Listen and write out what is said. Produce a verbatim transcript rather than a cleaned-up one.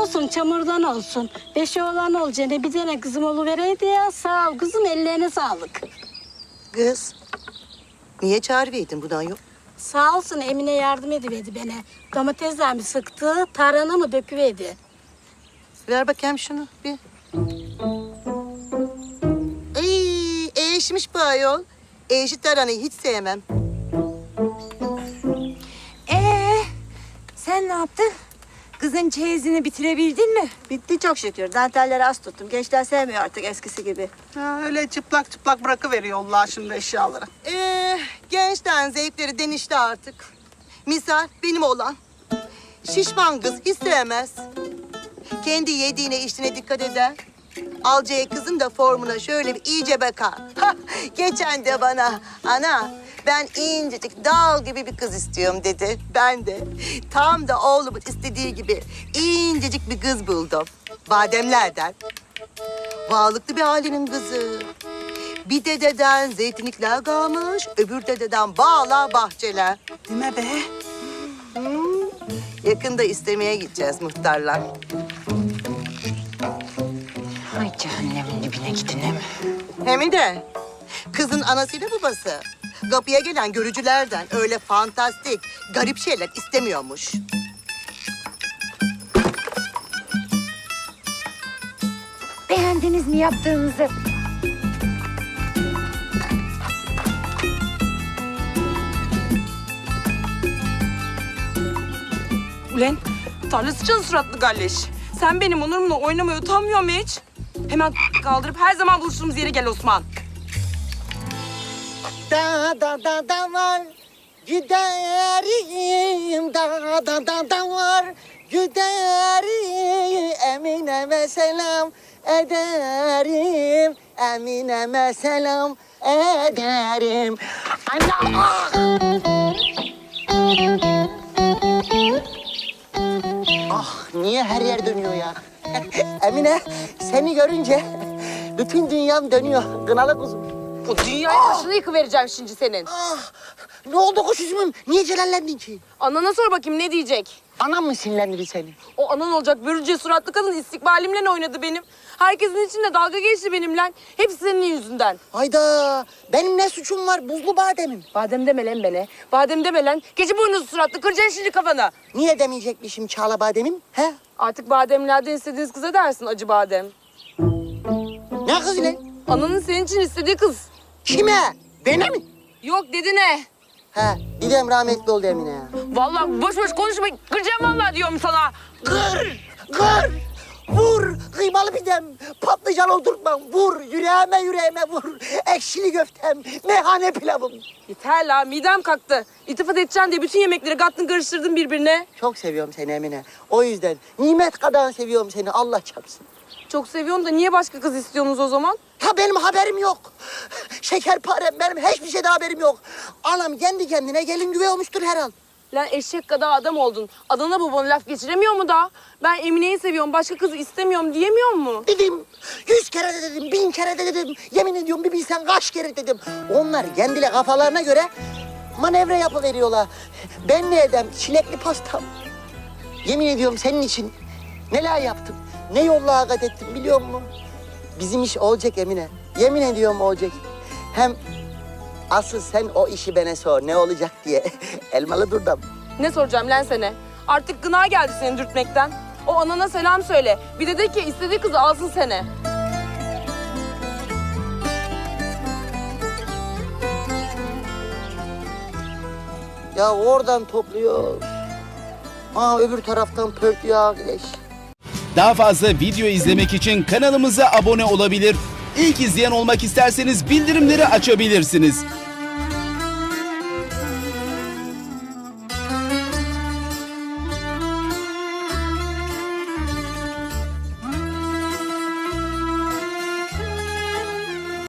olsun, çamurdan olsun. Beş oğlan olacağına bir tane kızım oluvereydi ya. Sağ ol kızım, ellerine sağlık. Kız, niye çağırıverdin buradan yok? Sağ olsun Emine yardım ediverdi bana. Domatesler mi sıktı, tarhana mı döküverdi. Ver bakayım şunu bir. Ay, eşmiş bu ayol. Eşit taranayı hiç sevmem. Ee, sen ne yaptın? Kızın çeyizini bitirebildin mi? Bitti çok şükür. Dantelleri az tuttum. Gençler sevmiyor artık eskisi gibi. Ha, öyle çıplak çıplak bırakıveriyorlar şimdi eşyaları. Ee, gençten zevkleri denişti artık. Misal benim oğlan. Şişman kız hiç sevmez. Kendi yediğine içtiğine dikkat eder. Alacağı kızın da formuna şöyle bir iyice bakar. Ha, geçen de bana ana ben incecik dal gibi bir kız istiyorum dedi. Ben de tam da oğlumun istediği gibi incecik bir kız buldum. Bademlerden. Varlıklı bir ailenin kızı. Bir dededen zeytinlikler kalmış, öbür dededen bağlar, bahçeler. Değil mi be? Hmm, yakında istemeye gideceğiz muhtarlar. Ay cehennemin dibine gidin mi? Hem de kızın anasıyla babası kapıya gelen görücülerden öyle fantastik, garip şeyler istemiyormuş. Beğendiniz mi yaptığınızı? Ulan tarla sıçan suratlı galleş. Sen benim onurumla oynamaya utanmıyor mu hiç? Hemen kaldırıp her zaman buluştuğumuz yere gel Osman. Da da da da var giderim da da da da var giderim Emine'me selam ederim Emine'me selam ederim. Ana! Ah niye her yer dönüyor ya? Emine seni görünce bütün dünyam dönüyor kınalı kuzum. O dünyayı başına yıkıvereceğim şimdi senin. Ah, ne oldu kuş üzümüm? Niye celallendin ki? Anana sor bakayım ne diyecek? Anam mı sinirlendi seni? O anan olacak börülce suratlı kadın istikbalimle oynadı benim. Herkesin içinde dalga geçti benimle. Hepsi senin yüzünden. Hayda, benim ne suçum var buzlu bademim? Badem deme lan bana. Badem deme lan. Keçi boynuzlu suratlı kıracaksın şimdi kafana. Niye demeyecekmişim çağla bademim? He? Artık bademlerden istediğiniz kıza dersin acı badem. Ne kız lan? Ananın senin için istediği kız. Kime? Bana mi? Yok dedi ne? He, dedem rahmetli oldu Emine ya. Vallahi boş boş konuşma. Kıracağım vallahi diyorum sana. Kır, kır, vur, kıymalı pidem, patlıcan oldurtmam, vur, yüreğime yüreğime vur, ekşili köftem, meyhane pilavım. Yeter la midem kalktı. İltifat edeceksin diye bütün yemekleri kattın karıştırdın birbirine. Çok seviyorum seni Emine. O yüzden nimet kadar seviyorum seni, Allah çarpsın. Çok seviyorum da niye başka kız istiyorsunuz o zaman? Ha benim haberim yok. Şekerparem benim hiçbir şeyden haberim yok. Anam kendi kendine gelin güvey olmuştur herhal. Lan eşek kadar adam oldun. Adana babana laf geçiremiyor mu da? Ben Emine'yi seviyorum, başka kızı istemiyorum diyemiyor mu? Dedim, yüz kere de dedim, bin kere de dedim. Yemin ediyorum bir bilsen kaç kere dedim. Onlar kendiyle kafalarına göre manevra yapıveriyorlar. Ben ne edem? Çilekli pastam. Yemin ediyorum senin için neler yaptım. Ne yolla kat ettim biliyor musun? Bizim iş olacak Emine. Yemin ediyorum olacak. Hem asıl sen o işi bana sor ne olacak diye. Elmalı durdum. Ne soracağım lan sana? Artık gına geldi seni dürtmekten. O anana selam söyle. Bir de de ki istediği kızı alsın seni. Ya oradan topluyor. Aa öbür taraftan pörtlüyor arkadaş. Daha fazla video izlemek için kanalımıza abone olabilir. İlk izleyen olmak isterseniz bildirimleri açabilirsiniz.